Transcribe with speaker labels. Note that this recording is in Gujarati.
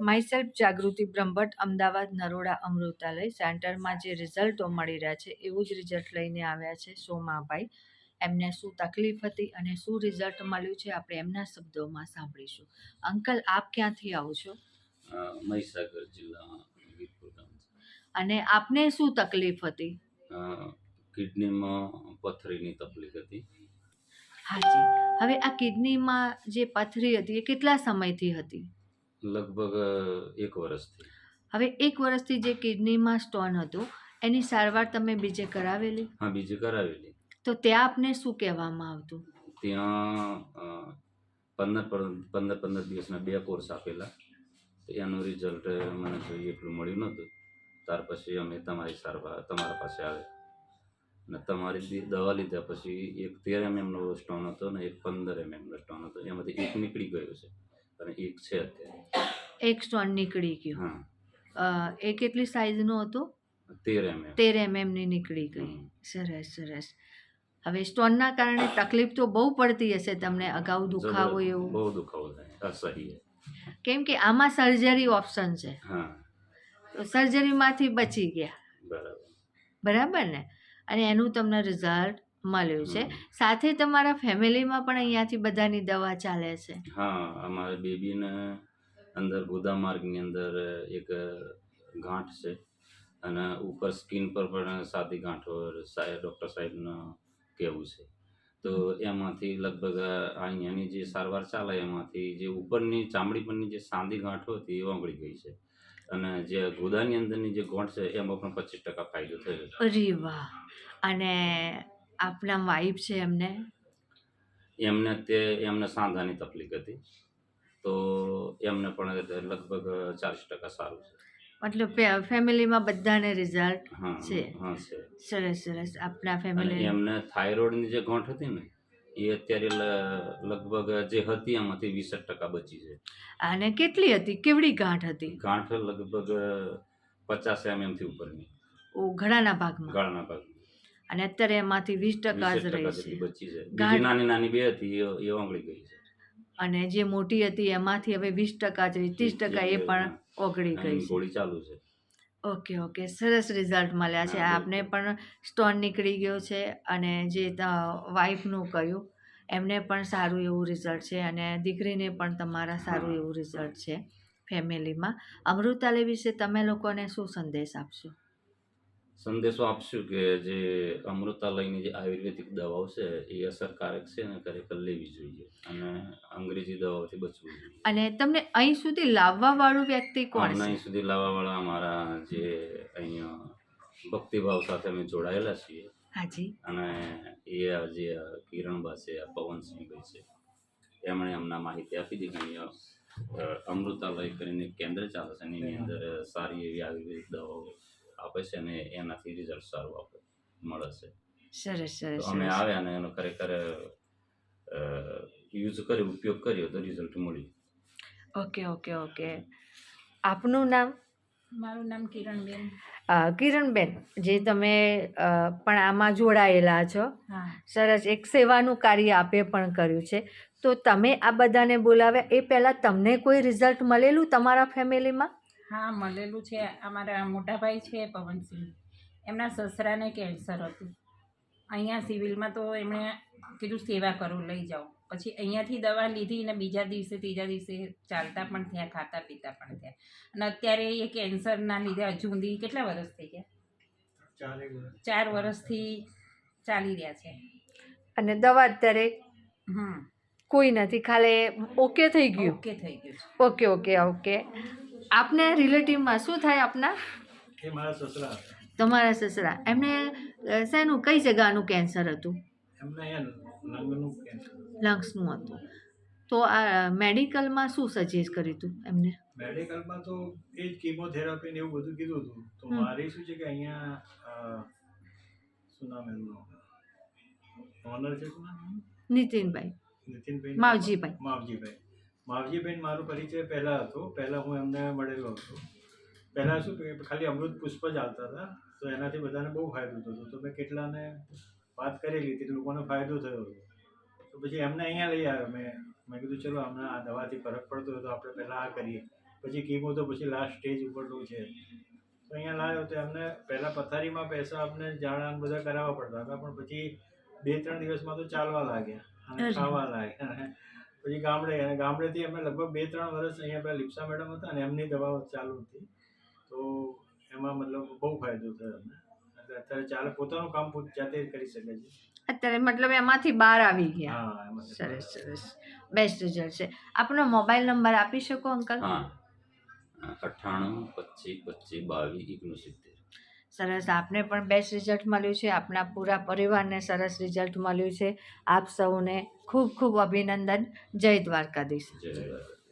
Speaker 1: માયસેલ્ફ જાગૃતિ બ્રહ્મભટ્ટ, અમદાવાદ નરોડા અમૃતાલય સેન્ટરમાં જે રિઝલ્ટો મળી રહ્યા છે એવું જ રિઝલ્ટ લઈને આવ્યા છે સોમાભાઈ. એમને શું તકલીફ હતી અને શું રિઝલ્ટ મળ્યું છે આપણે એમના શબ્દોમાં સાંભળીશું. અંકલ, આપ ક્યાંથી આવો છો?
Speaker 2: મહીસાગર જિલ્લામાં વીરપુર ગામ છે.
Speaker 1: અને આપને શું તકલીફ હતી?
Speaker 2: કિડનીમાં પથરીની તકલીફ હતી.
Speaker 1: હાજી. હવે આ કિડનીમાં જે પથરી હતી એ કેટલા સમયથી હતી?
Speaker 2: લગભગ 1 વર્ષથી.
Speaker 1: હવે 1 વર્ષથી જે કિડનીમાં સ્ટોન હતું એની સારવાર તમે બીજે કરાવેલી?
Speaker 2: હા, બીજે કરાવેલી.
Speaker 1: તો ત્યાં આપને શું કહેવામાં આવતું?
Speaker 2: ત્યાં 15 દિવસના 2 કોર્સ આપેલા. એનું રિઝલ્ટ મને જોઈએ એટલું મળ્યું નહોતું. ત્યાર પછી અમે તમારા પાસે આવ્યા અને તમારી દવા લીધા પછી એક 13 mmનો સ્ટોન હતો ને એક 15 mmનો સ્ટોન હતો. એમાંથી એક નીકળી ગયો છે અને એક છે અત્યારે.
Speaker 1: એક સ્ટોન નીકળી ગયો.
Speaker 2: હા.
Speaker 1: એ કેટલી સાઇઝનો હતો?
Speaker 2: 13 mm.
Speaker 1: 13 mm ની નીકળી ગઈ. સરસ સરસ. હવે સ્ટોનના કારણે તકલીફ તો બહુ પડતી હશે તમને, અગાઉ દુખાવો એવું?
Speaker 2: બહુ દુખાવો થાય, અસહ્ય.
Speaker 1: કેમ કે આમાં સર્જરી ઓપ્શન છે.
Speaker 2: હા.
Speaker 1: તો સર્જરીમાંથી બચી ગયા. બરાબર ને? અને એનું તમને રિઝલ્ટ મળ્યું છે. સાથે તમારા ફેમિલીમાં પણ અહીંયાથી બધાની દવા ચાલે છે?
Speaker 2: હા, અમારા બેબીને અંદર ગુદા માર્ગની અંદર એક ગાંઠ છે અને ઉપર સ્કિન પર પણ સાદી ગાંઠો ડૉક્ટર સાહેબનું કહેવું છે. તો એમાંથી લગભગ અહીંયાની જે સારવાર ચાલે એમાંથી જે ઉપરની ચામડી પરની જે સાદી ગાંઠો હતી એ ઓગળી ગઈ છે અને જે ગુદાની અંદરની જે ગાંઠ છે એમાં પણ 25% ફાયદો થયો છે.
Speaker 1: અરે વાહ! અને આપના વાઈફ છે
Speaker 2: એમને સાંધાની તકલીફ હતી તો એમને પણ લગભગ 40% સારું છે.
Speaker 1: મતલબ ફેમિલીમાં બધાને રિઝલ્ટ છે.
Speaker 2: હા છે.
Speaker 1: સરસ સરસ. આપના ફેમિલી
Speaker 2: એમને થાઇરોઇડની જે ગાંઠ હતી ને એ અત્યારે લગભગ જે હતી એમાંથી 20% બચી છે.
Speaker 1: અને કેટલી હતી? કેવડી ગાંઠ હતી?
Speaker 2: ગાંઠ લગભગ 50 mm થી ઉપરની.
Speaker 1: ઓ, ગળાના ભાગમાં?
Speaker 2: ગળાના ભાગમાં.
Speaker 1: અને અત્યારે એમાંથી 20% જ રહી છે.
Speaker 2: બચી છે. બીજી નાની નાની બે હતી એ ઓગળી ગઈ છે.
Speaker 1: અને જે મોટી હતી એમાંથી હવે 20% જ રહી, 30% એ પણ ઓગળી ગઈ છે.
Speaker 2: ગોળી ચાલુ છે.
Speaker 1: Okay okay. સરસ રિઝલ્ટ મળ્યા છે. આપને પણ સ્ટોન નીકળી ગયો છે અને જે વાઈફનું કહ્યું એમને પણ સારું એવું રિઝલ્ટ છે અને દીકરીને પણ તમારા સારું એવું રિઝલ્ટ છે ફેમિલીમાં. અમૃતાલય વિશે તમે લોકોને શું સંદેશ આપશો?
Speaker 2: સંદેશો આપશું કે જે અમૃતાલયની જે આયુર્વેદિક દવાઓ છે એ અસરકારક છે અને ખરેખર લેવી જોઈએ અને અંગ્રેજી દવાઓથી બચવું જોઈએ.
Speaker 1: અને તમને અહીં સુધી લાવવા વાળું વ્યક્તિ કોણ છે?
Speaker 2: અહીં સુધી લાવવા વાળા અમારા જે અહીંયા ભક્તિભાવ સાથે અમે જોડાયેલા છીએ.
Speaker 1: હાજી.
Speaker 2: અને એ જે કિરણબા છે, પવનસિંહભાઈ છે, એમણે અમને માહિતી આપી હતી કે અહીંયા અમૃતાલય કરીને કેન્દ્ર ચાલે છે એની અંદર સારી એવી આયુર્વેદિક દવાઓ આપે છે અને એનાથી રિઝલ્ટ સારું મળે છે.
Speaker 1: સરસ સરસ.
Speaker 2: અમે આવ્યા અને એનો ખરેખર ઉપયોગ કર્યો તો રિઝલ્ટ મળ્યું.
Speaker 1: Okay okay okay. આપનું નામ?
Speaker 3: મારું નામ કિરણબેન.
Speaker 1: કિરણબેન, જે તમે પણ આમાં જોડાયેલા છો. સરસ. એક સેવાનું કાર્ય આપે પણ કર્યું છે. તો તમે આ બધાને બોલાવ્યા એ પહેલાં તમને કોઈ રિઝલ્ટ મળેલું તમારા ફેમિલીમાં?
Speaker 3: હા, મળેલું છે. અમારા મોટા ભાઈ છે પવનસિંહ, એમના સસરાને કેન્સર હતું. અહીંયા સિવિલમાં તો એમણે કીધું સેવા કરું, લઈ જાઓ. પછી અહીંયાથી દવા લીધી ને બીજા દિવસે ત્રીજા દિવસે ચાલતા પણ થયા, ખાતા પીતા પણ થયા. અને અત્યારે એ કેન્સરના લીધે હજુ સુધી કેટલા વર્ષ થઈ ગયા? 4 વર્ષથી ચાલી રહ્યા છે.
Speaker 1: અને દવા અત્યારે કોઈ નથી, ખાલી ઓકે થઈ ગયું?
Speaker 3: ઓકે થઈ ગયું.
Speaker 1: Okay okay okay. આપને રિલેટિવમાં શું થાય આપના?
Speaker 4: એ મારા સસરા.
Speaker 1: તમારા સસરા. એમને શેનું, કઈ જગાનું કેન્સર હતું?
Speaker 4: એમને લંગનું કેન્સર.
Speaker 1: લંગ્સનું હતું. તો આ મેડિકલમાં શું સજેસ્ટ કર્યું હતું એમને?
Speaker 4: મેડિકલમાં તો એ જ કીમોથેરાપી ને એવું બધું કીધું હતું. તો મારે શું છે કે અહીંયા શું નામ એમનું ઓનર છે, શું નામ?
Speaker 1: નીતિનભાઈ.
Speaker 4: માવજીભાઈ મારો પરિચય પહેલાં હતો. પહેલાં હું એમને મળેલો હતો. પહેલાં શું કે ખાલી અમૃત પુષ્પ જ આવતા હતા તો એનાથી બધાને બહુ ફાયદો થતો. તો મેં કેટલાને વાત કરેલી હતી, લોકોને ફાયદો થયો હતો. તો પછી એમને અહીંયા લઈ આવ્યો. મેં કીધું ચલો હમણાં આ દવાથી ફરક પડતો હોય તો આપણે પહેલાં આ કરીએ. પછી કીમો તો પછી લાસ્ટ સ્ટેજ ઉપરનું છે. તો અહીંયા લાવ્યો તો એમને પહેલાં પથારીમાં પેશાબને ઝાડા બધા કરાવવા પડતા હતા, પણ પછી 2-3 દિવસમાં તો ચાલવા લાગ્યા અને
Speaker 1: અરે.
Speaker 4: ખાવા લાગ્યા. પછી ગામડેથી અમે લગભગ 2-3 વર્ષ અહીંયા પેલા લિપ્સા મેડમ હતા ને એમની દવાઓ ચાલુ હતી. તો એમાં મતલબ બહુ ફાયદો થયો અમને. એટલે અત્યારે ચાલે, પોતાનું કામ જાતે જ કરી શકે છે.
Speaker 1: અત્યારે મતલબ એમાંથી બહાર આવી ગયા.
Speaker 4: હા, એમાંથી
Speaker 1: સરસ સરસ, બેસ્ટ રિઝલ્ટ છે. આપનો મોબાઈલ નંબર આપી શકો અંકલ?
Speaker 2: હા 98 25 25 22 69.
Speaker 1: સરસ, આપને પણ બેસ્ટ રિઝલ્ટ મળ્યું છે, આપના પૂરા પરિવારને સરસ રિઝલ્ટ મળ્યું છે. આપ સૌને ખૂબ ખૂબ અભિનંદન. જય દ્વારકાધીશ.
Speaker 2: જય